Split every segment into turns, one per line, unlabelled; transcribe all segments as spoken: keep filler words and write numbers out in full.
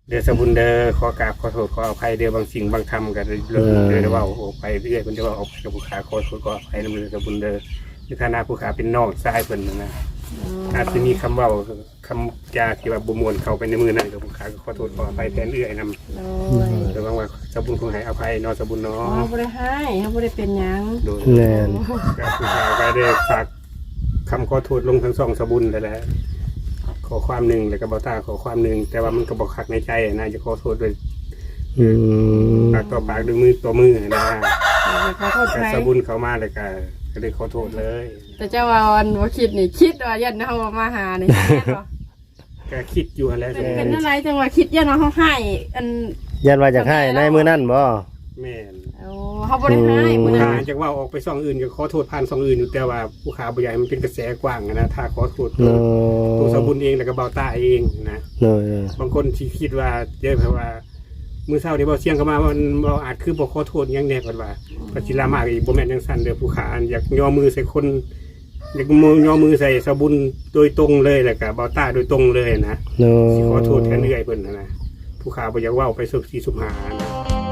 เดือสบุญเด้อขอกราบขอโทษขออภัยเด้อบางสิ่งบางคำกันเลยเด้อได้ว่าออกไปเรื่อยมันจะว่าออกกับผู้ขาขอโทษขออภัยในมือสบุญเด้อในฐานะผู้ขาเป็นน้องชายเพิ่นนะอาจจะมีคำเว่าคำจาที่ว่าบุมวนเข้าไปในมือนั่นกับผู้ขาก็ขอโทษขออภัยแทนเอื้อยนำแต่บางว่าสบุญคงให้อภัยน้องสบุญเนาะ
เขาไม่ได้ให้เขาไม่ได้เป็นยัง
แน่นกับผู้ขาก็ได้ฝากคำขอโทษลงทั้งสองสบุญแต่แล้วขอความหนึ่งแล้วก็บอต้าขอความหนึ่งแต่ว่ามันก็บอกขักในใจนะจะขอโทษด้วยปากต่อปากด้วยมือต่อมือนะแต่สบุญเขามาเลยก็ก็เลยขอโทษเลย
แต่เจ้าวันว่าคิดนี่คิดว่ายันเขามาหานี่
ก็คิดอยู่แล้ว
เป็นอะไรจังว่าคิดยันเขาให้อัน
ยันว่าจะให้ในมือนั่นบ่
แม่น
เขาบริหารมือ
นั้นจากว่าออกไปซองอื่นก็ขอโทษผ่านซองอื่นอยู่แต่ว่าผู้ขาบ่ใหญ่มันเป็นกระแสกว้างนะถ้าขอโทษตัวสบุญเองแล้วก็เบาตาเองนะบางคนที่คิดว่าเยอะเพราะว่ามือเศร้าที่เบาเสียงเข้ามามันเราอาจคือบอกขอโทษยังแน่กว่าปัจจิรามากอีกบ่แม่นยังสั่นเด้อผู้ขาอยากย่อมือใส่คนอยากมือย่อมือใส่สบุญโดยตรงเลยแหละกับเบาตาโดยตรงเลยนะขอโทษแค่เรื่อยเพิ่นนะผู้ขาบ่อยากว่าไปสุขสีสุขหานะ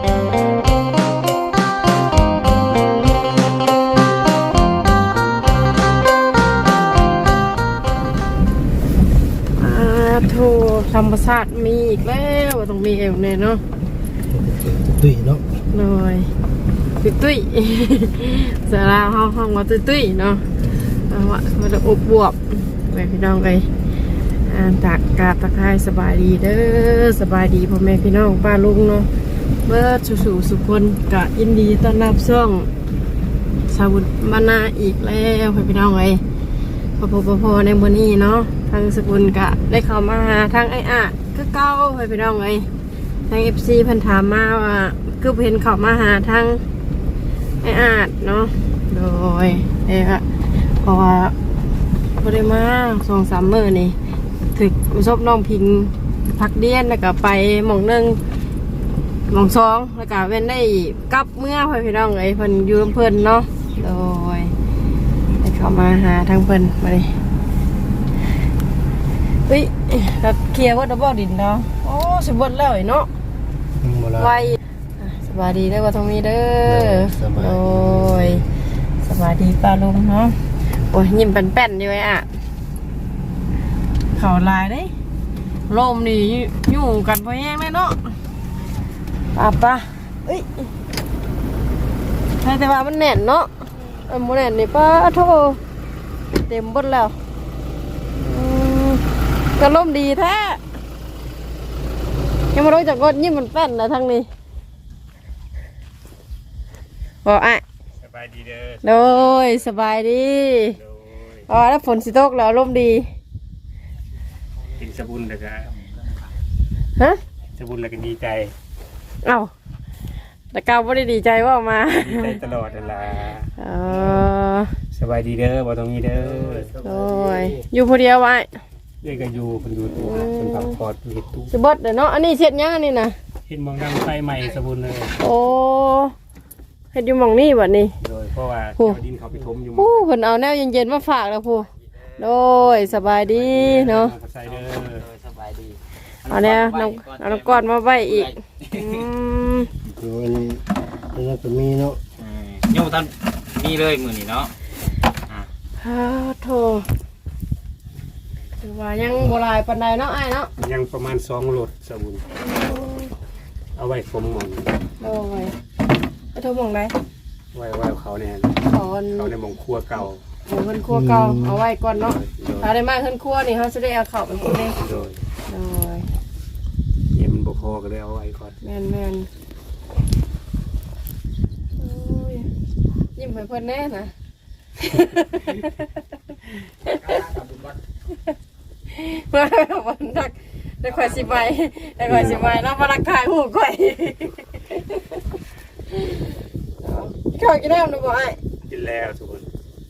โทธรรมศาสตร์มีอีกแล้วต้องมีเอวเนี่ยเนาะ
ตุ้ยเนาะ
หน่อยตุ้ยตุ้ยเสือลาวห้องห้องมาตุ้ยตุ้ยเนาะว่ามันจะอบบวบไปพี่น้องไปอ่านตากกาตะไคร้สบายดีเด้อสบายดีพ่อแม่พี่น้องป้าลุงเนาะเบิร์ดสู่สุคนกะยินดีต้อนรับช่องสาวุธบรรณาอีกแล้วพี่น้องไปพอพอพอในวันนี้เนาะทางสกุลกะได้เข้ามาหาทางไอ้อะก็เก้าไปน้องเลยทางเอฟซีเพิ่นถามมาว่าคือเพิ่นเข้ามาหาทางไอ้อะเนาะโดยเอ๊ะเพราะว่าบ่ได้มาสองสามมื้อนี่ถึกซบน้องพิงพักเดียนแล้วก็ไปหม่องนึงหม่องสองแล้วก็เว้นได้กลับเมื่อพี่น้องเอ้ยเพิ่นอยู่เพิ่นเนาะโดยได้เข้ามาหาทางเพิ่นมาดิเฮ้ยเราเคลียร์ว่าดับเบิลดินเนาะโอ้สมบูรณ์แล้วเนาะไวสบายดีได้ว่าตรงนี้เด้อโอ้ยสบายดีป้าลุงเนาะโอ้ยยิ้มเป็นแป้นอยู่ไอ้อะเข่าลายเด้ลมนี่อยู่กันพอแห้งเลยเนาะป้าป้าเอ้ยแต่ว่ามันแน่นเนาะมันแน่นนี่ป้าโธ่เต็มหมดแล้วก็ล่มดีแท้ยังไม่รู้จักกดยิ้มมันแป้นนะทางนี้บอกอ่ะ
สบายดีเด้อ
โดยสบายดีอ๋อแล้วฝนสิตกแล้วล่มดี
กินสบุญแล้วก็
ฮะ
สบุญแล้วก็ดีใจ
เอ้าแต่ก้าวไม่ได้ดีใจว่ามา
ดีใจตลอดเวลา
อ๋อ
สบายดีเด้อบ่ต้องมีเด้อ
โอ้ยอยู่คนเดียวไว้
เด็กก็อยู่คนอยู่ตู้คนพักผ่อนอยู่ตู้
สบดเนาะอันนี้เช็ดยังอันนี้นะ
เห็นมองดังไฟใหม่สบุญเลย
โอ้เห็ดอยู่มองนี่แบบนี้
โดยเพราะว่าเจ้าดินเขาไปทมอยู่
ผู้เพิ่นเอาแนวเย็นๆมาฝากแล้วผู้โดยสบายดีเนาะ
ใส่เด้อ
สบายดี
เอาเนี่ยน้ำเอาน้ำก้อนมาไว้อีก
อืมคืออันนี้อันนี้ก็มีเนาะ
โยมท่านมีเลยมือนี่เนาะ
ฮ่าโถถือว่ายังโบราณปันใดเนาะไอ้เนาะ
ยังประมาณสองโหลดสบุญเอาไว้ผมมอง
โอ้ยไอ้โถมองไหน
ไว้ไว้เขาเนี่ย
เขา
เขาในมองครัวเก่า
เฮือนครัวเก่าเอาไว้ก่อนเนาะถ้าได้มาเฮือนครัวนี่เขาจะได้เอาเข้าไปคนนี้
โดย
โดย
เย็นบกพอก็เลยเอาไว้ก่อน
แม่นแม่นยิ้มให้เพิ่นแน่นะมาวันนักได้ข่อยสิใบได้ข่อยสิใบแล้วมารักทายหูข่อยข้าวกินแล้วนะบ่ไอ้
กินแล้วทุกคน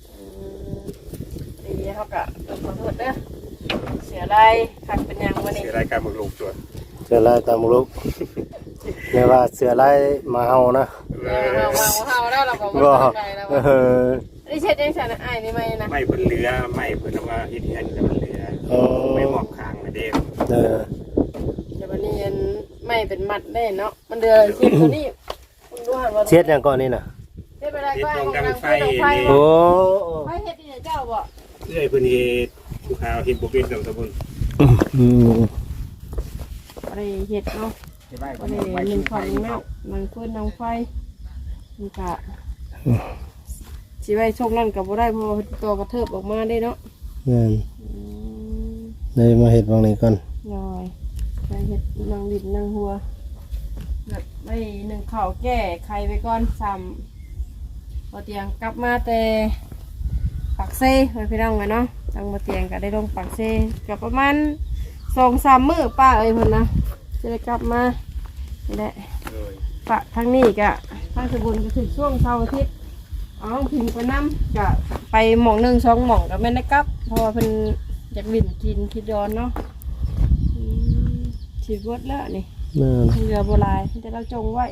ดีเขากะขอโทษเด้อเสียไรขัดเป็นยังวันนี้
เสียไรการมึงลูกตัว
เสือลายตามลูกไม่ว่าเสือลายมาเฮานะ
มามาเฮาแล้วเราก็มาทำไรแล้วนี่เช็ดยังฉันไอ้นี่ไม่นะ
ไม่เพิ่นเหลือไม่เพิ่นว่าเฮ็ดเฮ็ดแต่มันเหลือไม่หมอบข้างมาเด้อ
เออ
เดี๋ยววันนี้ยันไม่เป็นมัดได้เนาะมันเดือเช็ดตัวนี้คุณดูหันว่า
เช็ดหยังก่อนนี่น่ะ
เช็ดไปได้ก็ให้ของนางไฟไฟ
โอ้
ไฟเฮ็ดนี่เจ้าบ่
เอ้ยเพิ่นเฮ็ดผู้ขาวเฮ็ดบ่เป็นดอกสบุญ
อืม
อะไรเฮ็ดเนาะ
จะได้
อะไรหนึ่งของแม่นางฟืนนางไฟมันกะสิไว้ช่วงนั้นก็บ่ได้เพราะว่าตัวกระเทิบออกมาได้เนาะ
นั่น
อืม
เลยมาเฮ็ดบางนี้ก่อน
น้อยไปเฮ็ดนางดิบนางหัวแบบไม่หนึ่งข้าวแก้ไข่ไปก่อนซ้ำพอเตียงกลับมาแต่ปากเซ่ไปพี่น้องกันเนาะทางมาเตียงก็ได้ลงปากเซ่กับประมาณสองสามมื้อป้าเอ้ยเพิ่นนะจะได้กลับมานี่แหละ
เลย
ปะทางนี้กะทางสบุญก็ถึงช่วงเช้าร์อาทิตย์เอาพิงไปน้ำกะไปหม่องหนึ่งสองหม่องก็ไม่ได้กลับเพราะว่าเพิ่นอยากบินกินคิดย้อนเนาะอืมฉีดวดแล้วนี่
นั่น
เรือโบราณที่เราจงไว้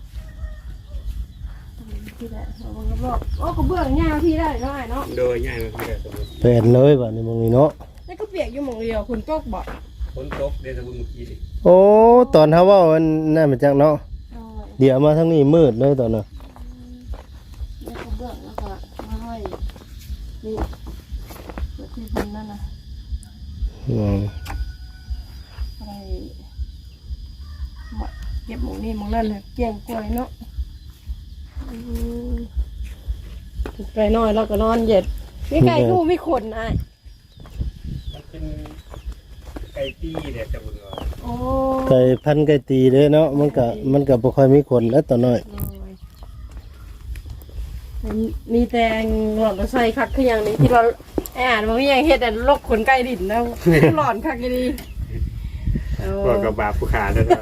ที่ได้เอาบังรอบโอ้ก็เบื้องยาวที่ได้เนาะไอ้เนาะ
โดยง่ายมากเลยสบุญ
เป็นเลยบัดนี้บางนี้เนาะ
แล้วก็เปียกอยู่หม่องเดียวคุณตกบ่
ฝนตกเด้สบุญเมื่อกี้นี่
โอ้ตอนเฮาเว้ามันนั่นมาจักเนาะ
เอาไว้
เดี๋ยวมาทางนี้มืดเลยตอนน่ะ
แล้วก็เบื้องแล้วก็มาไว้นี่เปิดที่พันนั่นนะ
อืม
อะไรมาเก็บหมูนี่หมูนั่นเลยเกี่ยงกล้วยเนาะอืมไปนอนแล้วก็นอนเย็ดมีไก่กูมีขนไอ้
มันเป็นไก่ตี้เด้สบุญว่า
โอ้
ไก่พันธุ์ไก่ตีเด้เนาะมันก็มันก็บ่ค่อยมีคนแล้วตอนน้อย
มีแตงหลอดใส่คักคืออย่างนี้ที่เราแอบมันไม่ยังเฮ็ดแต่ลกขนไก่ดินแล้วหลอนคักดีโอ้
ก็กับบาปผู้ขาเด้อเนาะ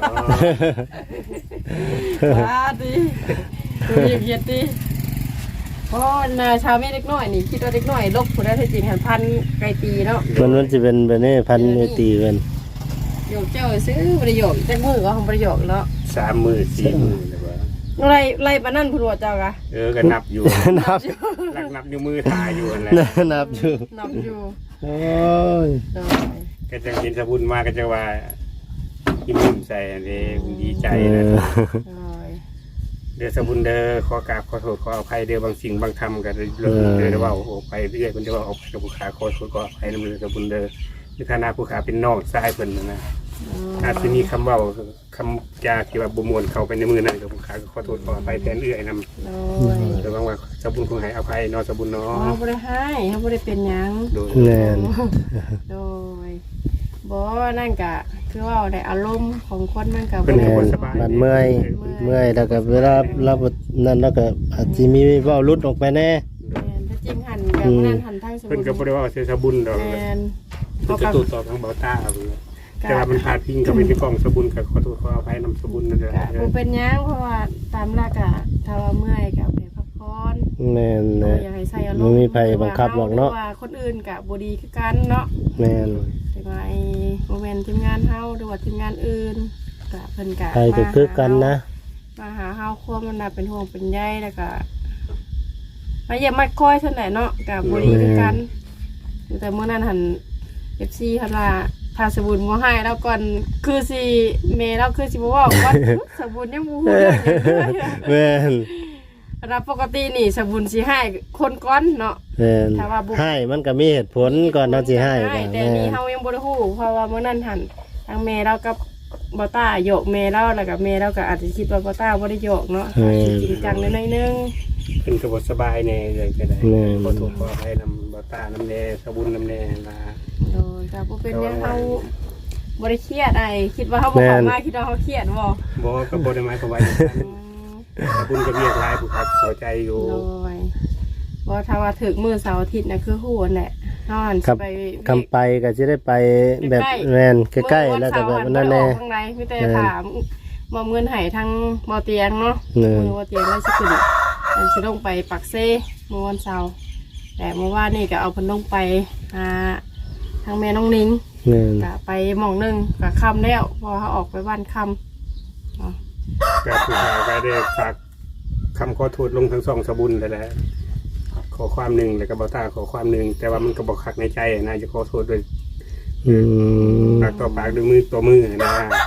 ว้าดีดูเย็ดดีเพราะนาชาวเมฆเล็กน้อยนี่คิดว่าเล็กน้อยลกผู้ได้ที่จริงหันพันไก่ตีเนาะ
มันมันสิเป็นแบบนี้พันธุ์ไก่ตีเพิ่น
โยกเจ้าซื้อประโยชน์จักมือก็ของประโยชน์แล้ว
สามมื้อสี่มื้อแล้วว่า
ไล่ไล่ปานนั่นผู้ว่าเจ้ากะ
เออก็นับอยู่
นับ
หลักนับนิ้วมือถ่ายอยู่นั่นแหละ
นับอยู่
นับอยู่
โอ้ย
ได้
ก็จะเห็นสบุญมาก็จะว่ายิ้มยิ้มใส่อันนี้ดีใจ
เอ
นะ
อ
ได้
เดือสบุญเด้อขอกราบขอโทษขออภัยเด้อบางสิ่งบางคำก็เลยเรื่องเด้อได้ว่าออกไปเรื่อยมันจะว่าออกไปกับผู้ขาขอโทษขออภัยในมือสบุญเด้อในฐานะผู้ขาเป็นน้องชายเพิ่นนะนะอาจจะมีคำเว่าคำจาที่ว่าบ่มวนเข้าไปในมือนั่นกับผู้ขาก็ขอโทษขออภัยแทนเอื้อยนำ
โดย
แต่บางว่าสบุญคงให้อภัยเนาะสบุญเนาะ
เขาบ่ได้ให้เขาบ่ได้เป็นหยัง
โดย
แน่น
โดยบ่นั่นก็คือว่าได้อารมณ์ของคนมันก็
เพิ่
บ่
น
ได้
ให้
แม่
บ่
น
สบาย
มันเมื่อยเมื่อยแล้วก็เวลาเราบ่นั่นแล้วก็อาจสิมีเว้าหลุดออกไปแน่
แม่นถ้าจริงหันแบบนั้นหันทางสมุ
เพิ่น
น
ก็บ่ได้ว่าเสียสบุญดอก
แม่น
เพิ่นก็ตูดต่อทางเบาตาเอาไปเลยแต่ว่ามันพาดพิงเข้าไปในกล่องสบุญก็ขอโทษขออภัยนำสบุญนั่นแหละ
ก็บ่เป็นหยังเพราะว่าตามหลักอะถ้าว่าเมื่อยก็ไปพักผ่อน
แม่น
บ่
นะ
อยากให้ใส่อารมณ์
บ่มีไผบังคับหรอกเนาะ
ว่าคนอื่นก็บ่ดีคือกันเนาะ
แม่น
แต่ว่าไอ้โมเมนต์ทีมงานเฮาหรือว่าทีมงานอื่นก็เพิ่นก็
ใครก็คือกันนะ
มาหาเฮาควบมันน่ะเป็นห่วงเป็นใยแล้วก็มาเยี่ยมมาคอยเท่าไหร่เนาะก็บ่ดีคือกันแต่เมื่อนั้นหั่น เอฟ ซี หั่นว่าถ้าสบุญบ่ให้แล้วก่อนคือสิเมเราคือสิบ่เว้าว่า สบุญยังบ่ฮู้เรื่องเลย
แม่น
รับปกตินี่สบุญสิให้คนก่อนเนาะ
แม่น
ถ้าว่าบุ
ให้มันก็มีเหตุผลก่อนเนาะสิให้ก็
แต่
แม่
นี่
น
เฮายังบ่ได้ฮู้เพราะว่าเมื่อนั้นหั่นทางเมเรากับบ่ต้าโยกเมเราแล้วก็เมเราก็อาจจะคิดว่าบ่ต้าบ่ได้โยกเนาะจริงจังนิดนึง
เพิ่นก็บ่สบายแน่เลยก็ได้
แม่น
ขอโทษขออภัยนำเบาตานำแน่สบุญนำแน่ล่ะ
โดยก็บ่เป็นหยังเฮาบ่ได้เครียดไอ้คิดว่าเฮาบ่เข้ามาคิดว่าเฮาเครียดบ่
บ่ก็บ่ได้หมายความว่าอย่างนั้น
อืม
สบุญก็เรียกหลายผู้ครับเข้าใจอยู่
โดยบ่ถ้าว่าถึกมื้อเสาร์อาทิตย์น่ะคือฮู้นั่นแหละเฮาหัน
ครั
สิ
บ
ไป
คำไปก็สิได้ไปแบบแม่นใกล้ๆแล้วก็แบบนั้นแน่
ข้างในมีแต่ถามมอบเงินให้ทางบ่เตียงเนาะ
เออ
มือบ่เตียงแล้วสิขึ้นแล้วสิลงไปปักเซ่เมื่อวันเสาร์แต่เมื่อวานนี่ก็เอาเพิ่นลงไปหาทางแม่น้องนิ้ง
แม่น
ก็ไปหม่องหนึงก็ค่ำแล้วพอเขาออกไปบ้านค่ำเนาะ
ก็ผู้ข่าวก็ได้ฝากคำขอโทษลงทั้งสองสบุญแล้วแหละขอความหนึ่งแล้วก็เบาตาขอความหนึ่งแต่ว่ามันก็บอกคักในใจนะจะขอโทษด้วย
อืม
ปากต่อปากด้วยมือต่อมือนะ
ม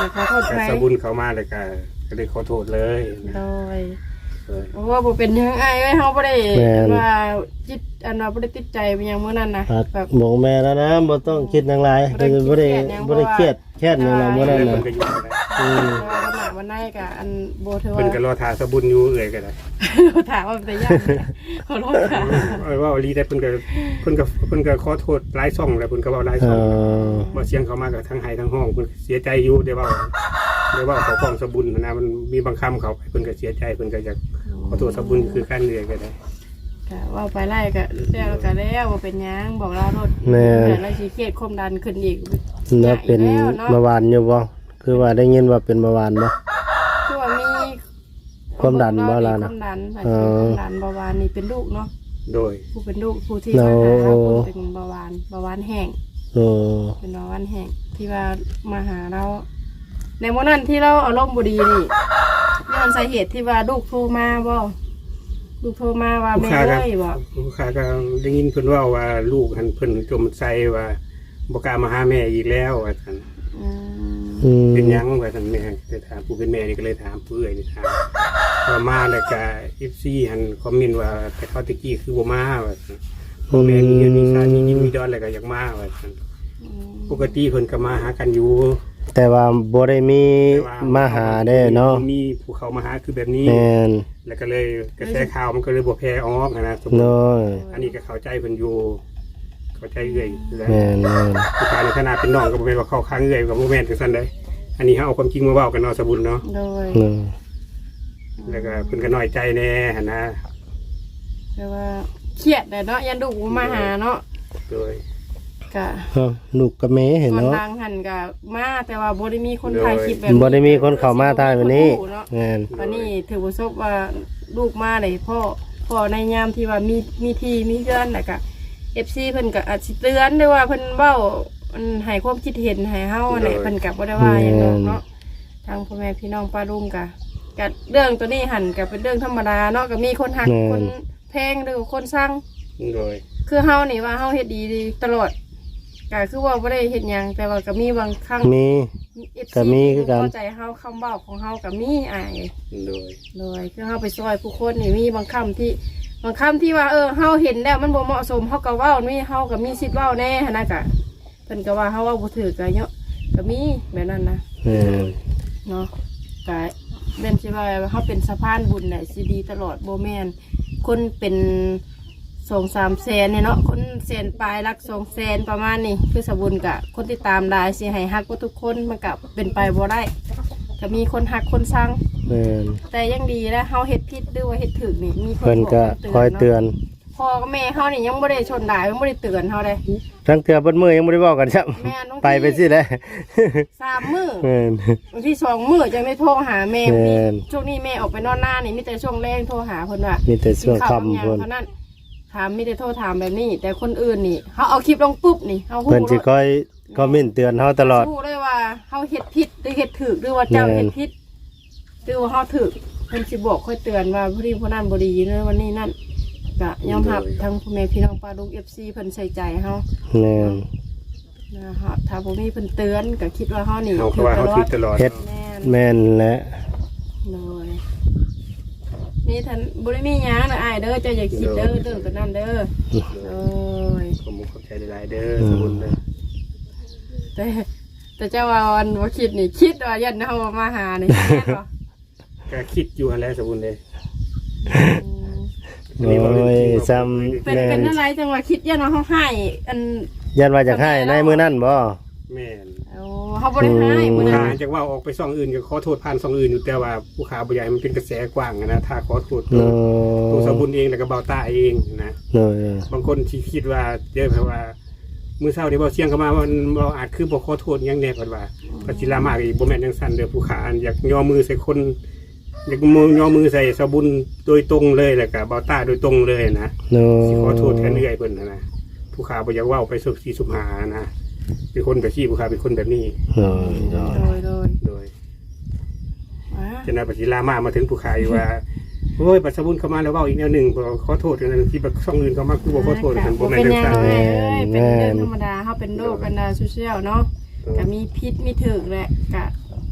ขอโทษ
แต่
ใคร
สบุญเขามาเลยก็ก็เลยขอโทษเลย
โดย
เออ
เพราะว่าบ่เป็นหยังอ้ายเว้ยเฮาบ่ได้ว่าจิตอันว่าบ่ได้ติดใจไปหยังมื้อนั้นนะ
ครับ
แบบ
บอกแม่แล้วนะบ่ต้องคิดหยังหลายคือบ่ได้บ่ได้เครียดแค่นหยังหรอกบ่ได้
เพิ่
น่ะ
นก็อยู่ได้
อืม
ว่าวันหน้าวันไหนก็อันบ่ถือ
เพิ่นก็
ว่า
รอทาสบุญอยู่เอ่ยก็ได้
ถามว่าเป็นยังขอโทษค่ะ
เออว่าลีได้เพิ่นก็เพิ่นก็เพิ่นก็ขอโทษหลายช่องแล้วเพิ่นก็เว้าหลาย
เอ
ช่อง
อ
บ่เสียงเขามาก็ทั้งไห้ทั้งห้องเพิ่นเสียใจอยู่ได้เว้าได้เว้าเขาของสบุญนะมันมีบางคำเขาไปเพิ่นก็เสียใจเพิ่นก็อยากขอโทษสบุญคือการเนื่อยก็ได้
ก็ว่าไปไล่ก็แล้วก็แล้วบ่เป็นหยังบอกลาโทษ
แม่
แต่ละสิเครียดความดันขึ้นอีก
แล้วเป็น
แล้วเนาะ
เมื่อวานอยู่บ่คือว่าได้ยินว่าเป็นเมื่อวานบ่
คือว่ามี
ความดันบ่ล่ะนะ
ความดันอาจ
เอ
จะเป็น
อ
ความดันเบาหวานนี่เป็นลูกเนาะ
โดย
ผู้เป็นลูกผู้ที่
โอ้
มาหาเราเป็นเบาหวานเบาหวานแห้ง
โอ้
เป็นเบาหวานแห้งที่ว่ามาหาเรา ในวันนั้นที่เราอารมณ์บ่ดีนี่นี่มันสาเหตุที่ว่าลูกโทรมาบ่ลูกโทรมาว่า
ลูก
แม่
ค้าก็
เอ้ยบ่
ลูกค้าก็ได้ยินเพิ่นเว่าว่าลูกหันเพิ่นจมใจว่าบ่กล้ามาหาแม่อีกแล้วว่าซั่น
อืม
อืม
เป็นหยังว่าซั่นแม่เลยถามผู้เป็นแม่นี่ก็เลยถามผู้เอื้อยนี่ถามว่ามาแล้วก็ เอฟ ซี หันคอมเมนต์ว่าแต่เขาตะกี้คือบ่มาว่าซั่นพ่อแม่มีเงินมีชาติมียิ้มมีดอนแล้วก็อยากมาว่าซั่น
อืม
ปกติเพิ่นก็มาหากันอยู่
แต่ว่าบ่ได้มี
แต่ว่
มาหาได้เนาะ
มีผู้เขามาหาคือแบบนี้
แม่น
แล้วก็เลยกระแสข่าวมันก็เลยบ่แพร่ออกนะสมมุติ
น้อย
อันนี้ก็เข้าใจเพิ่นอยู่เข้าใจเอื้อยอยู่แล้ว
แม่นแม่น
ผู้ชายในขนาดเป็นน้องก็บ่แม่นว่าเข้าข้างเอื้อยกับบ่แม่นจังซั่นเด้อันนี้เฮาเอาความจริงมาเว้ากันเนาะสบุญเนาะ
โดย
เนาะ
แล้วก็เพิ่นก็น้อยใจแน่หั่นนะ
แต่ว่าเครียดแต่เนาะยันลูกบ่มาหาเนาะ
โดย
ก็
เอ้าลูกกับแม่เห็น
คน
เนาะ
ดังหันก็มาแต่ว่าบ่ได้มีคนถ่ายคลิปแบบ
บ่ได้มีคนเข้ามาถ่ายวันนี้
เนาะ
แม่น
วันนี้ถือว่าซบว่าลูกมาเลยพ่อพ่อในยามที่ว่ามีมีที่มีเพื่อนแล้วก็ เอฟ ซี เพิ่นก็อาจสิเตือนด้วยว่าเพิ่นเว้ามันให้ความคิดเห็นให้เฮาเนี่ยเพิ่นก็บ่ได้ว่าหยังดอกเนาะทางพ่อแม่พี่น้องป้าลุงก็ก็เรื่องตัวนี้หันก็เป็นเรื่องธรรมดาเนาะก็มีคนฮักคนแพงหรือคนสร้าง
โดย
คือเฮานี่ว่าเฮาเฮ็ดดีตลอดก็คือว่าบ่ได้เฮ็ดหยังแต่ว่าก็มีบางครั้ง
มี
เอฟ
ก็
ซี
มีคือกัน
เข้าใจเฮาคำเว้าของเฮาก็มีอ้าย
โดย
เลยคือเฮาไปซอยผู้คนนี่มีบางคำที่บางคำที่ว่าเออเฮาเห็นแล้วมันบ่เหมาะสมเฮาก็เว้านี่เฮาก็มีสิทธิ์เว้าแน่หันนะกะเพิ่นก็ว่าเฮาเว้าบ่ถูกก็เนาะก็มีแบบนั้นนะ
แม่น
เนาะก็แม่นสิว่าเฮาเป็นสะพานบุญน่ะสิดีตลอดบ่แม่นคนเป็นสองสามแสนเนี่ยเนาะคนแสนปลายรักสองแสนประมาณนี้คือสบุญกะคนที่ตามได้สิให้ฮักบ่ทุกคนมันก็เป็นไปบ่ได้ก็มีคนฮักคนสร้าง
แม่น
แต่ยังดีแล้วเฮาเฮ็ดผิดหรือว่าเฮ็ดถูกนี่มีคน
เพิ่นก็
บ
คอยเตือน
พ่อกับแม่เฮานี่ยังบ่ได้ชนด่ายังบ่ได้เตือนเฮาเลย
ทั้งเทื่อเบิดมื้อยังบ่ได้เว้ากันครับ
แม่นบางที
ไปไปสิแหละ
สามมื้อ
แม่น
บางทีสองมื้อจังได้โทรหาแม่
แม่น
ช่วงนี้แม่ออกไปนอนหน้านี่มีแต่ช่วงแรงโทรหาเพิ่นว่า
มีแต่ช่วง
กินข้าวกับห
ค่ำ
ยัง
เพิ่น
เท่านั้นถามมีแต่โทรถามแบบนี้ แต่คนอื่นนี่เฮาเอาคลิปลงปุ๊บนี่เฮาฮู้
เพิ่นสิคอยคอมเมนต์เตือนเฮาตลอด
ฮู้เลยว่าเฮาเฮ็ดผิดหรือเฮ็ดถูกหรือว่าเจ้า
แม่น
เฮ็ดผิดหรือว่าเฮาถูกเพิ่นสิบอกค่อยเตือนว่าผู้นี้ผู้นั้นบ่ดีเด้อวันนี้นั่นก็ยอมรับทั้งพ่อแม่พี่น้องป้าลุง เอฟ ซี เพิ่นใส่ใจเฮา
แม่น
นะฮะถ้าบ่มีเพิ่นเตือนก็คิดว่าเฮานี่
เฮาก็ว่าเฮา
ตลอ
คิ
ด
ดตลอด
เฮ็ด
แม่น
แม่นและ
เลยนี่ท่านบ่ได้มีหยังนะอ้ายเด้อเจ้าอย่าคิดเด้อเด้อกันนั่นเด้อโอ้ย
ผมเข้าใจหลายๆเด้อสบุญเด้อ
แต่แต่เจ้าว่าวันบ่คิดนี่คิดว่ายันเฮามาหานี่แม่นบ่
ก็คิดอยู่หั่นแหละสบุญเด้
อืม
โอ้ยซ้ำ
เป็น
แม่
เป็น
น
อะไรจังว่าคิดยันว่าเฮาให้อัน
ยันว่าจะให้ในมื้อนั้นบ่
แม่น
โอ้เฮาบ่ได้ให้มื้อ
ผู้
นั้
ค้าน จากว่าออกไปซ่องอื่นก็ขอโทษผ่านซ่องอื่นอยู่แต่ว่าผู้ค้าบ่อยากให้มันเป็นกระแสกว้างอะนะถ้าขอโทษตัว
เนา
ตัวส
ะ
บุญเองแล้วก็เบาตาเองนะ
เนาะ
บางคนที่คิดว่าเยอะเพราะว่ามื้อเช้าที่เบาเสียงเข้ามาว่ามันบ่อาจคือบ่ขอโทษหยังแน่เพิ่นว่าก็สิลามากอีกบ่แม่นจังซั่นเด้อผู้ค้าอยากย่อมือใส่คนอยากมือย่อมือใส่สบุญโดยตรงเลยแล้วก็เบาตาโดยตรงเลยนะ
เนาะ
สิขอโทษแทนเอื้อยเพิ่นนะนะผู้ค้าบ่อยากเว้าไปสุบสีสุบหานะเป็นคนแบบที่ผู้ค้าเป็นคนแบบนี้
เนาะ
โดยโดย
โดย
ว้า
จนนายปฏิลามามาถึงผู้ค้าอยู่ว่าโอ้ยปัสสบุญเข้ามาแล้วเว้าอีกแนวหนึงบ่ขอโทษกันที่แบบช่องอื่นเข้ามาคือบ่ขอโทษกันบ่
บ่
แม่
เป็น น
จั
หยัง ง
ซั่น
เอ้ยเป็นเรื่องธรรมดาเฮาเป็นโรคกันดาโซเชียลเนาะก็มีพิษมีถึกแหละก็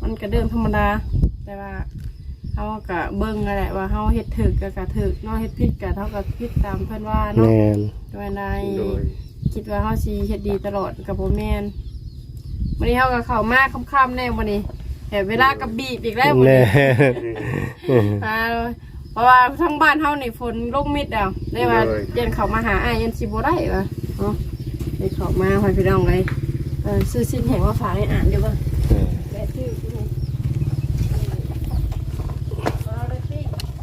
มันก็เรื่องธรรมดาแต่ว่าเฮาก็เบิ่งนั่นแหละว่าเฮาเฮ็ดถูกก็ก็ถูกเนาะเฮ็ดผิดก็เท่ากับผิดตามเพิ่นว่าเนาะ
แม่น
ด้วยใน
โดย
คิดว่าเฮาสิเฮ็ดดีตลอดก็บ่แม่นวันนี้เฮาก็เข้ามาค่ำๆแน่วันนี้แต่เวลาก็บีบอีกแล้ววัน
แน่
นี้อ่าเพราะว่าทั้งบ้านเฮานี่ฝนลงมิดแล้วได้ว่าเย็นเข้ามาหาอ้ายยันสิบ่ได้ว่าเนาะได้เข้ามาให้พี่น้องเลยเออซื้อสิ้นแห่งมาฝากให้อ่านอยู่บ่แม่ชื่อที่นี่เอาเลยพี่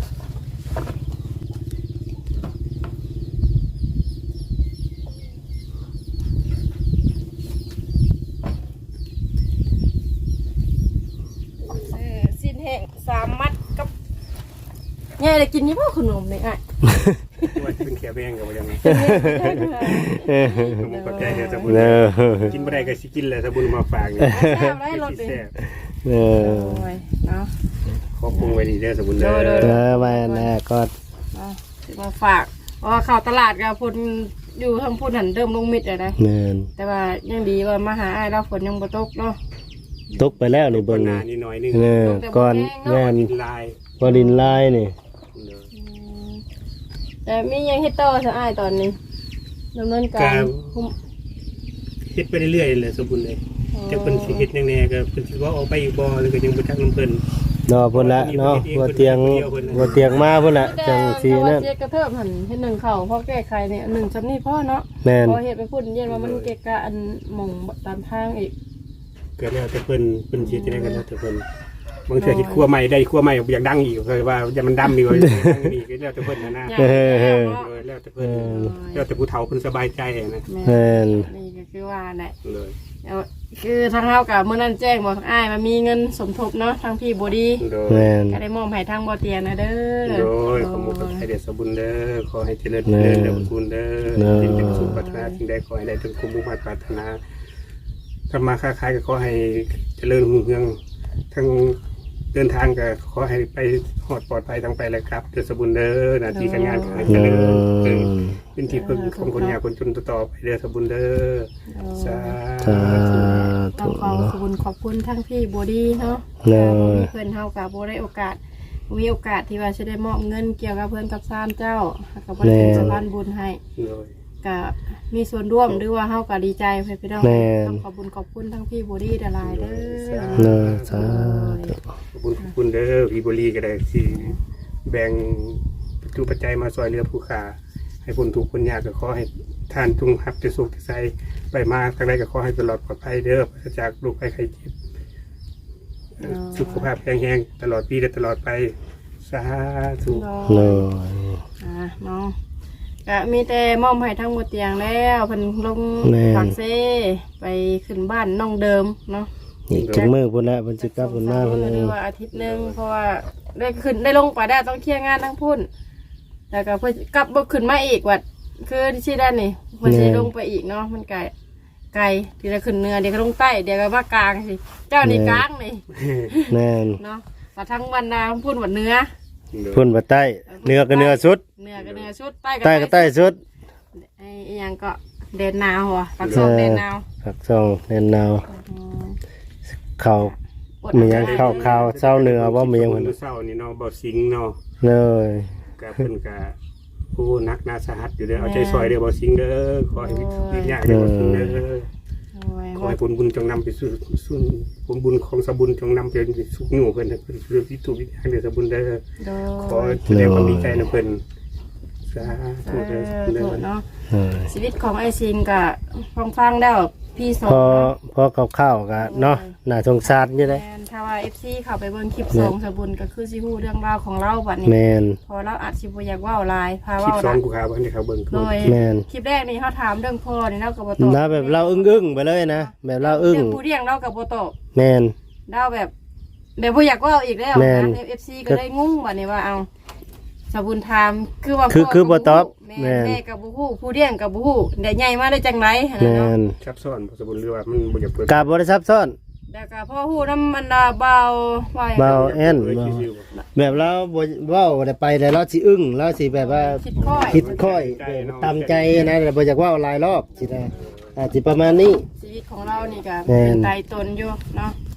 ซื้อสิ้นแห่งสามมัดกับเนี่ยได้กินนี่บ่ขนมนี่อ่ะ
ว่าเป็นแขวแบงกับยังไง
เออ
ผมก็ใจเดี๋ยวสบุญ
เนอะ
กินบ่ได้ก็สิกินแหละสบุญมาฝากนี่
แซ่บได้รสดิ
แซ่บ
เออ
โอ้ยเนาะ
ขอปรุงไว้ดีเด้อสบุญเด้อ
โดย
เออมาแน่ก็
เอาสิมาฝากเพราะว่าเข้าตลาดกับพุ่นอยู่ทางพุ่นหันเริ่มลงมิดเลยนะ
แม่น
แต่ว่ายังดีว่ามาหาอ้ายเราฝนยังบ่ตกเนาะ
ตกไปแล้วนี่
เบิ่
เบิ่
ง
ง
หน้า
นี่
นี่น้อยนึง
เออก่อนแม่น
กินลาย
พอดินลายนี่
เด้อ
อืมแต่มียังเฮ็ดต่อซะอ้ายตอนนี้ดำเนินการคุม
เฮ็ดไปเรื่อยๆเลยสบุญเลยจะเพิ่นสิเฮ็ดแน่ๆก็เพิ่นสิว่าออกไปอีกบ่หรือก็ยังบ่จักนำเพิ่น
เนาะพุ่นละเนาะบ่เตียงบ่เตียงมาพุ่นละจังสีนั่น
เฮ็ดกระเทิบหันเฮ็ดหนึ่งเข่าเพราะแก้ไขเนี่ยหนึ่งจำนี่พ่อเนาะ
แม่น
พอเฮ็ดไปพุ่นเย็นว่ามันเกะกะอันหม่องตามทางอีก
ก็แล้วแต่เพิ่นเพิ่นสิจะได้กันแล้วแต่เพิ่นบางเทื่อคิดครัวใหม่ได้ครัวใหม่อยากดังอีกก็ว่าอย่ามันดำอีกว่าดังอีกก็แล้วแต่เพิ่นนะนะ
อย่างแล้วเนาะ
เออแล้วแต่เพิ่นแล้วแต่ผู้เฒ่าเพิ่นสบายใจนะ
แม่น
นี่ก็คือว่าแหละ
เลย
เอาคือทางเฮากับเมื่อนั้นแจ้งบอกอ้ายมันมีเงินสมทบเนาะทางพี่บอดี
โดย
แม่น
ก็ได้มอบให้ทางบ่เตียนนะเด้อ
โดยขอมุขให้เดชสมบูรณ์เด้อขอให้เจริญเจริญเด้อคุณเด้อเป็นเป็นสุขปรารถนาสิ่งใดขอให้ได้ถึงคุ้มมุ่งมั่นปรารถนาทำมาค้าขายก็ขอให้เจริญรุ่งเรืองทั้งเดินทางก็ขอให้ไปหอดปลอดภัยทั้งไปเลยครับเดชสมบูรณ์เด้อหน้าที่การงานขอให้เจ
เอ
ริญ
อ
เป็นที่พึ่งของคนยากคนจนต่อไปเด้อสมบูรณ์เด้อสา
สา
ต้
ธุ
องขอขอบคุณขอบคุณทั้งพี่บอดีเนาะ
เนาะ
เพื่อนเฮากับบ่ได้โอกาสมีโอกาสที่ว่าจะได้มอบเงินเกี่ยวกับเพื่อนกับซานเจ้าก็บ่ได้เป็นสะพานบุญให้
โดย
ก็มีส่วนร่วมหรือว่าเฮาก็ดีใจเพื่อนพี่น้อง
แม่น
ต้องขอบคุณขอบคุณทั้งพี่บอดี้ดารายเด้อ
เนาะสาธุ
ขอบคุณขอบคุณเด้อพี่บุรีก็ได้ที่แบ่งปัจจุปัจจัยมาซอยเรือผู้ขาให้คนทุกข์คนยากก็ขอให้ท่านจงรับจะสุขจะใสไปมาทางใดก็ขอให้ตลอดปลอดภัยเด้อปราศจากโรคภัยไข้เจ็บสุขภาพแข็งแรงตลอดปีและตลอดไปสาธุ
เนาะ
อ่าเนาะก็มีแต่มอมให้ทั้งหมดเตียงแล้วเพิ่นลง
แม่น
ปากเซ่ไปขึ้นบ้านน้องเดิมเนาะ
อีกจักมื้อพุ่นละเพิ่นสิกลับพุ่นมาพุ่น
ห
เอ
รือง ว่าอาทิตย์หนึงเพราะว่าได้ขึ้นได้ลงไปได้ต้องเคลียร์งานทั้งพุ่นแล้วก็เพิ่นกลับบ่ขึ้นมาอีกวัดคือที่ชื่อด้านนี่เพิ่นสิลงไปอีกเนาะมันไกลไกลที่จะขึ้นเหนือเดี๋ยวก็ลงใต้เดี๋ยวก็มากลางสิเจ้านี่กลางนี่
แม่น
เนาะมาทั้งวันนาพุ่นวันเหนือ
พุ่นบ่ใต้เหนือก็เหนือสุด
เหนือก็เหนือสุดใต้
ใต้ก็ใต้สุด
ไอ้อีหยังก็เดนนาวหัวปักซองเดนนาว
ผักซองแน่นนาว
อืม
ข้าว
อด
มีหยังข้าวข้าวเช้าเนื้อบ่มีหยัง
ค
เพิ่
น
น
เศร้านี่เนาะบ่สิงเนาะ
เลย
ก็เพิ่นก็ผู้นักนาสาหัสอยู่เด้อเอาใจซอยเด้อบ่สิงเด้อขอให้วิญญาณเด้อบ่สิงเด้อ
โอ้ย
ขอให้ผลบุญจงนำไปสู่สู่ผลบุญของสบุญจงนำไปสู่หนูเพิ่นให้เพิ่นคือที่ถูกวิทางเด้อสบุญเด้อ
โด
ขอแสดงความดีใจนะเพิ่นสาธุเด้อสบุญ
โด
เด้อ
เนาะ
เออ
ชีวิตของไอซิงกับฟังฟังๆแล้วพี่สอง
พอพอข้าวๆก็เนาะน่าสงสารอยู่เด้
แมนถ้าว่าเอฟซีเข้าไปเบิ่งคลิปสองสบุญก็คือสิฮู้เรื่องราวของเราบัดนี้
แม่น
พอเราอัดสิบ่อยากเว้าหลายพา
คลิป
เว้า
สอ
ละ
งกูขาบ่ให้เขาเบิ่ง
โดย
แม่น
คลิปแรกนี่เขาถามเรื่องพ่อนี่เราก็บ่ตอบ
นะแบบเราอึ้งๆไปเลยนะแบบเราอึ้ง
เรื่องผู้เลี้ยงเราก็บ่ตอบ
แม่น
เราแบบแบบบ่อยากเว้าอีกแล้ว
แม่น
นะ เอฟ ซี ก็ได้งงบัดนี้ว่าเอาสบุญถามคือว่า
คือ
พ่
คือบ่ตอบ
แม่
แม่น
แม่ก็บ่ฮู้ผู้เลี้ยงก็บ่ฮู้ได้ใหญ่มาได้จังไดหั่น
แม่
น่ะเนาะ
น
ซับซ้อนบ่สบุญหรือว่ามันบ่อยากเปิด
กาบ่ได้ซับซ้อน
แล้วก็พ่อฮู้นำมันดาเบาว่า
เบา แอน
เปิด
บ่
ซื่อๆบ่
แบบเราบ่เว้าได้ไปแต่เราสิอึ้งเราสิแบบว่า
คิดค่อย
คิดค่อยตามใจนะแต่บ่อยากเว้าหลายรอบสินะอาจสิประมาณนี้
ชีวิตของเรานี่ก็
แม่น
เป็นไตตนอยู่เนาะ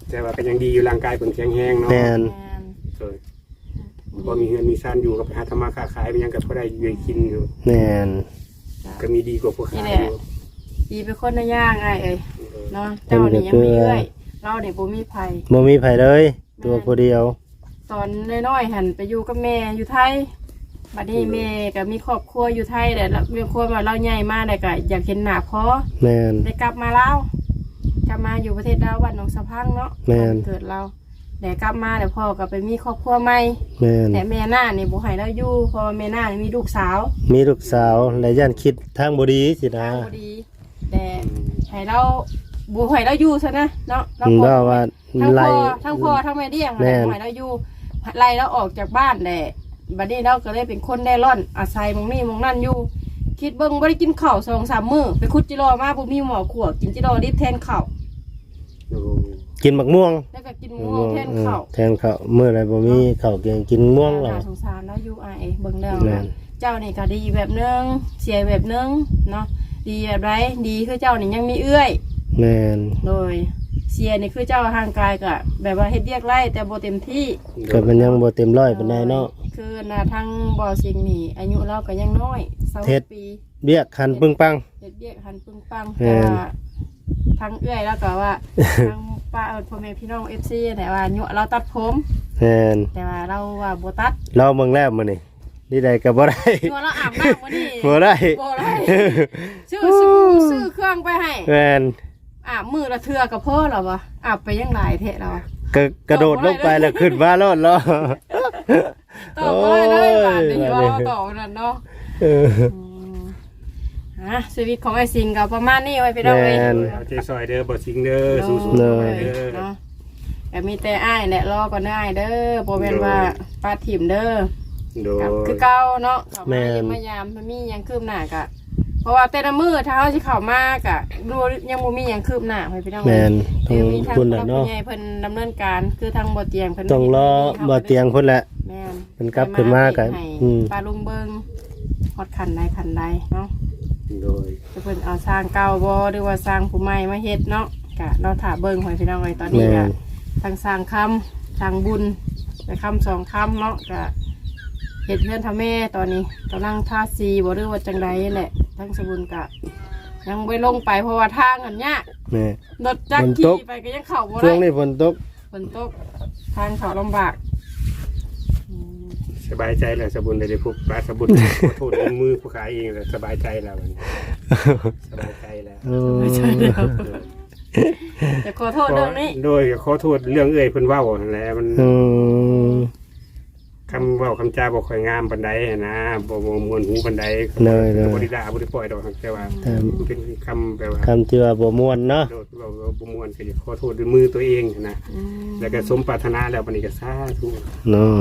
แต่ว่าก็ยังดีอยู่ร่างกายเพิ่นแข็งแรงเนาะ
แม่น
แม่น
เออพอมีเงินมีซ่านอยู่กับไปหาทำมาค้าขายเป็นหยังก็พอได้อยู่ได้กินอยู่
แม่น
ก็มีดีกว่าพวกขายอยู่
ดีเป็นคนในย่างไอ้เอ้ยเนาะเจ้านี่ยังมีเอื้อยเราเนี่ยบ่มีไผ
บ่มีไผเลย ตัวผู้เดียว
ตอนน้อยๆหันไปอยู่กับแม่อยู่ไทยบัดนี้แม่ก็มีครอบครัวอยู่ไทยแต่เรื่องครัวมาเราใหญ่มากเลยก็อยากเห็นหน้าพ่อ
แม่น
ได้กลับมาแล้วกลับมาอยู่ประเทศดาววัดหนองสะพังเนาะ
แม่น
บ้านเกิดเราแต่กลับมาแต่พ่อก็ไปมีครอบครัวใหม่
แม่น
แต่แม่หน้านี่บ่ให้เราอยู่เพราะว่าแม่หน้านี่มีลูกสาว
มีลูกสาวและย่านคิดทางบ่ดีสินะ
ทางบ่ดีแต่ให้เราบ่ให้เราอยู่ซะนะเนาะเรา
อืม
บ่
ว่าว่า
ทั้ง
ไล่
พ่อทั้งพ่อทั้งแม่เลี้ยง
แม่
อะไร
น
บ่ให้เราอยู่ไล่เราออกจากบ้านแหละบัดนี้เราก็เลยเป็นคนได้ร่อนอาศัยหมองนี่หมองนั่นอยู่ คิดเบิ่งบ่ได้กินข้าวสองสามมื้อไปขุดจิรอมาบ่มีหมอขัวกินจิรอดิบแทนข้าว
โอ้
กินบักม่วง
แล้วก็กินม่วงแทนข้าว
แทนข้าวมื้อใดบ่มีข้าวเกียงกินม่วงแล้ว
น่าสงสารแล้วอยู่ไอายเบิ่งแล้ว
แม่น
นะเจ้านี่ก็ดีแบบนึงเสียแบบนึงเนาะดีแบบไรดีคือเจ้านี่ยังมีเอื้อย
แม่น
โดยเสียนี่คือเจ้าห่างกายก็แบบว่าเฮ็ดเรียกไร่แต่บ่เต็มที่
ก็มันยังบ่เต็มร้อยปานใดเนาะ
คือน่ะทั้งบ่อสิงนี่อายุเราก็ยังน้อย
เฮ็ด
20ปี
เบี้ยคันปึ้งปัง
เฮ็ดเรียกหันปึ้งปัง
แม่
แต่
น
ว่าทั้งเอื้อยแล้วก็ว่า ทั้งป้าเอิ้นพ่อแม่พี่น้อง เอฟ ซี แต่ว่าอายุเราตัดผม
แม่น
แต่ว่าเราว่าบ่ตัด
เราเบิ่งแล้วมื้อนี้นี่ใดก็บ่ได้
ยัวเราอาบน้ำมื้อนี้
บ่ได้
บ่ได้ ซื้อซื้อซื้อเครื่องไปให้
แม่น
อาบมือละเทือกับพ่อเหรอวะอาบไปยังหลายเทะแล้ววะ
ก็กระโดดลงไปแล้วขึ้นมาโลดเนาะ
ต่อมาเลยบาท
โอ้ย
นี้
บาดนี้
ว่าต่อนั่นเนาะ
เออ
อืมฮะชีวิตของไอ้สิงก็ประมาณนี้ไว้ไปได้เลย
แม่น
เอาใจซอยเด้อบ่สิงเด้อสู้
เล
ๆ
ย
เด้อ
เนาะแต่มีแต่อ้ายแหละรอก่อนได้อ้ายเด้อบ่แม่นว่าปาถิ่มเด้อ
โด
กับ
ย
คือเก่าเนาะเข้า
แม่
มาน ยังมายามมันมีหยังคืบหน้ากะ เพราะว่าแต่ละมื้อถ้าเฮาสิเข้ามากะดูยังบ่มีหยังคืบหน้าให้พี่น้อง
แม่นต้อ
เดี๋
ง
ยวมีทาง
คุณ
ผู้
น่ะ
รับ
เนาะ
ผู้ใหญ่เพิ่นดำเนินการคือทางบ่อเตียงเพิ่น
ต้องรอบ่เตียงพุ่นแหละ
แม่น
เพิ่นกลับขึ้นมาก็
ให้
อืม
ปลาลุงเบิงฮอดขันใดขันใดเนาะ
โดย
จะเพิ่นเอาสร้างเก่าบ่หรือว่าสร้างผู้ใหม่มาเฮ็ดเนาะก็เราถ่าเบิ่งให้พี่น้องไว้ตอนนี้
แม่
ก็
น
ทางสร้างคำสร้างบุญไปคำสองคำเนาะก็เฮ็ดเพื่อนทำแม่ตอนนี้กำลังทาสีบ่หรือว่าจังใดแหละทั้งสบุญก็ยังบ่ลงไปเพราะว่าทางอันยาก
แม่
รถจักร
ฝนต
ขี่
ก
ไปก็ยังเข้าบ่
ช่ว
ได้
งนี้ฝนตก
ฝนตกทางเขาลำบากอืม
สบายใจแล้วสบุญได้ได้พบปลาสบุญ ขอโทษด้วยมือผู้ขายเองแล้วสบายใจแล้วมันสบายใจแล้ว
โอ้
ไม่ใช่แล้วแต่ขอโทษเรื่องนี้
โดยขอโทษเรื่องเอ่ยเพิ่นเว้านั่นแหละมัน
อืม
คำเว้าคำจาบ่ค่อยงามปานใดอะนะบ่บ่ม่วนหูปานใด
เลยเลย
บ่ได้ด่าบ่ได้ปล่อยดอกแต่ว่า
แต่
เป็นคำแบบว่า
คำที่ว่าบ่ม่วนเนาะ
โดดเว้าบ่ม่วนก็ขอโทษด้วยมือตัวเองนะ
อืม
แล้วก็สมปรารถนาแล้วบัดนี้ก็สาธุ
น้อย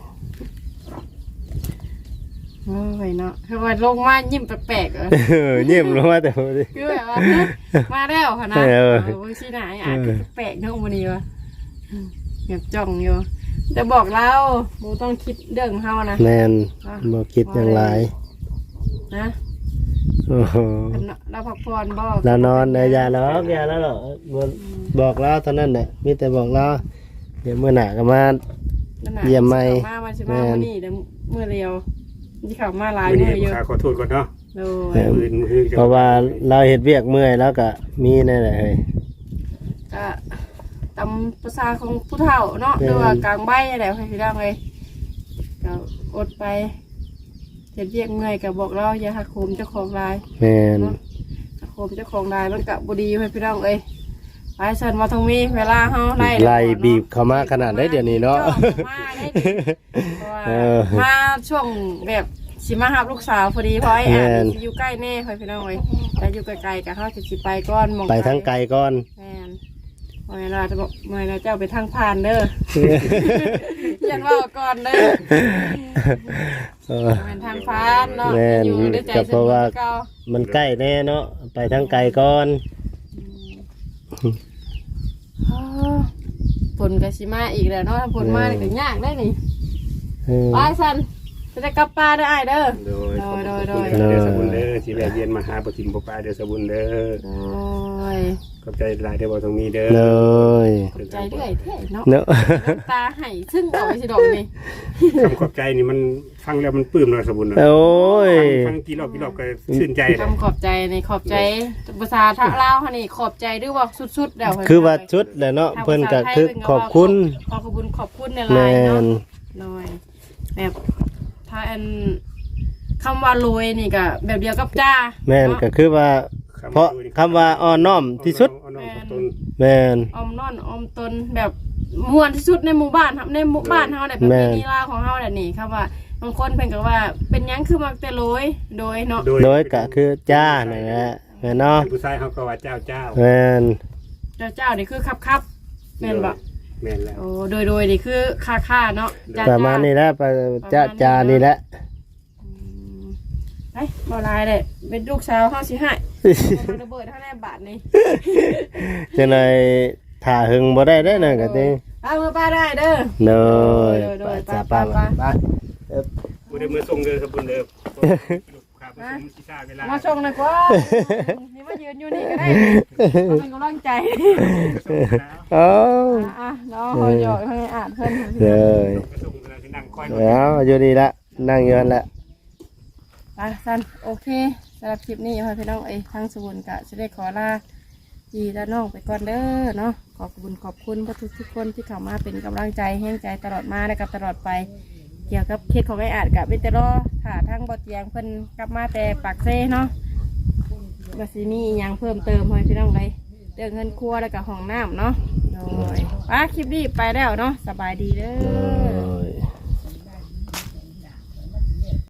โอ้ยเนาะคือว่าลงมายิ้มแปลกๆเหรอ
เออเยี่ยมลงมาแต่พอดี
คือแบบว่ามาแล้วค่ะนะ
เออ
เออชี้ไหนอ่ะแปลกเนาะวันนี้วะเงียบจ้องอยู่จะบอกเราโมต้องคิดเรื่องเฮานะ
แมนบ่คิดอย่างไร
นะ
โอ้โห
เราพักผ่อนบอก
เรานอนได้ยาแล้วยาแล้วเหรอบ่บอกแล้วเท่านั้นแหละมีแต่บอกแล้วเดี๋ยวเมื่อหน้าก็มา เยี่ยมไหม
มาวันสิมาวันนี้เดี๋ยวเมื่อเร็วที่เขามาหลาย
มื้อ
เมื่
นี้
อเย
ผู้
อะ
ขาขอโทษก่อนเนาะ
โด
เอย อ
มื้อมื้อจะ
เพราะว่าเราเฮ็ดเวียกเมื่อยแล้วก็มีนั่นแหละเฮ้ย
ก็ตามภาษาของผู้เฒ่าเนาะ
เออ
หรือว่ากลางใบอะไรให้พี่น้องเลยก็อดไปเจ็ดเรียกเมื่อยก็บอกเราอย่าหักโหมเจ้าของราย
แมน
หักโหมเจ้าของรายมันกับบดีให้พี่น้องเอ้ยไปเชิญมาตรงนี้เวลาเฮาไล่
ไล่บีบเข้ามาขนาดได้เดี๋ยวนี้เนาะ
จ้องมาได้ดิเพราะว่า
เออ
มาช่วงแบบสิมาหับลูกสาวพอดีเพราะไอ้
แม่
อ่าน
น
สิอยู่ใกล้แน่ค่อยพี่น้องเอ้ยแต่อยู่ไกลๆกับเขาจะสิไปก้อนหมอง
ไปทั้งไกลก่อน
แม่นเมื่อเราจะบอกเมื่อเราเจ้าไปทางผ่านเด้อ ยันว่าก่อนเด้อ
เออ
เป็นทางผ่านเนาะ
แม่น
อยู่ด้วยใจ
ก็เพราะว่า
เก่า
มันใกล้แน่เนาะไปทั้งไกลก่อน
อ๋อฝนกับชิมาอีกแล้วเนาะถ้าฝนมาเนี่ยก็ยากได้นี่
เออ
ไปสันจะได้กลับป่าได้ออ้ายเด้อ
โดยขอบ
โด
คุ
ย
ณ
โดย
เด้อสบุญเด้อที่แวะเวียนมาหาบ่ทิมบ่ปลาเด้อสบุญเด้อ
โอ้ย
ขอบใจหลายเด้อบ่ตรงนี้เด้อ
เลย
ใจเรื่อยแท้เนาะ
เนาะ
น้ำตาไหซึ่งเอาไว้สิดอกนี่
คำขอบใจนี่มันฟังแล้วมันปลื้มเนาะสมบุญเนาะ
โอ้ย
ฟังกี่รอบกี่รอบก็ชื่นใจเลย
คำขอบใจในขอบใจภาษาทะลาวค่ะนี่ขอบใจด้วยว่าสุดๆแล้ว
คือว่าชุดแหละเนาะเพิ่นก็คือขอบคุณ
ขอบคุณขอบคุณใน
แม
ไลน์เนาะ
น
หน่อยแบบถ้าอันคำว่าโรยนี่ก็แบบเดียวกับจ้า
แม่นก็คือว่า เพราะคำว่าอ่อนน้อมที่สุด
อ่อนน้อมถ่อมตน
แม่น
อมนอนอมตนแบบม่วนที่สุดในหมู่บ้านครับในหมู่บ้านเฮาเนี่ยแบบนี้ลาของเฮาเนี่ยนี่ครับว่าบางคนเพิ่นก็ว่าเป็นหยังคือมักแต่โรยโดยเนาะ
โดยก็คือจ้านั่นแหละแม่นเนาะ
ผู้ชายเขาก็ว่าเจ้าเจ้า
แม่น
เจ้าเจ้านี่คือครับครับแม่นบ่
แม่นแล้ว
โอ้โดยโดยนี่คือค่าค่าเนาะจ้า
ประมาณนี้แหละไปจ้าจานี่แหละ
ไอ้บ่ลายเลยเป็นลูกสาวเฮาสิให้บ่ระเบิดเท่าแน่บาทนี่
จังได๋ถ้าหึงบ่ได้เด้อนั่นก็ติ
เอามือป้าได้เด้อ
เนาะ
โดยโดย
จ้า
ไป
ป้า
ไป
ป้า
ผู้ใดมือส่งเด้อสมบุญเด้อข้าพเจ้าสิทราบเวลา
มาชงหน่อยกว่านี่มายืนอยู่นี่ก็ได้เอาเป็นกำลังใจ
เอ้า
อ่ะเนาะเฮาหยอกให้อ่านเพิ่น
เด้อ
ส่งเวลาที่นั่งคอย
แล้วอยู่นี่ละนั่งอยู่นั่นแหละ
ไปซันโอเคสำหรับคลิปนี้พ่อพี่น้องเอ้ยทั้งสมุนกะจะได้ขอลาจีและน้องไปก่อนเด้อเนาะขอบคุณขอบคุณทุกทุกๆคนที่เข้ามาเป็นกำลังใจแห้งใจตลอดมาและกับตลอดไป เกี่ยวกับเคสของไอ้อาจกับเวทเตอร์ถ้าทั้งบทเตียงเพิ่นกลับมาแต่ปากเซ่เนาะบสิมีอหยังเพิ่มเติมให้พี่น้องเลยเรื่องเงินครัวแล้วก็ห้องน้ำเนาะโดยป้าคลิปนี้ไปแล้วเนาะสบายดีเด้อ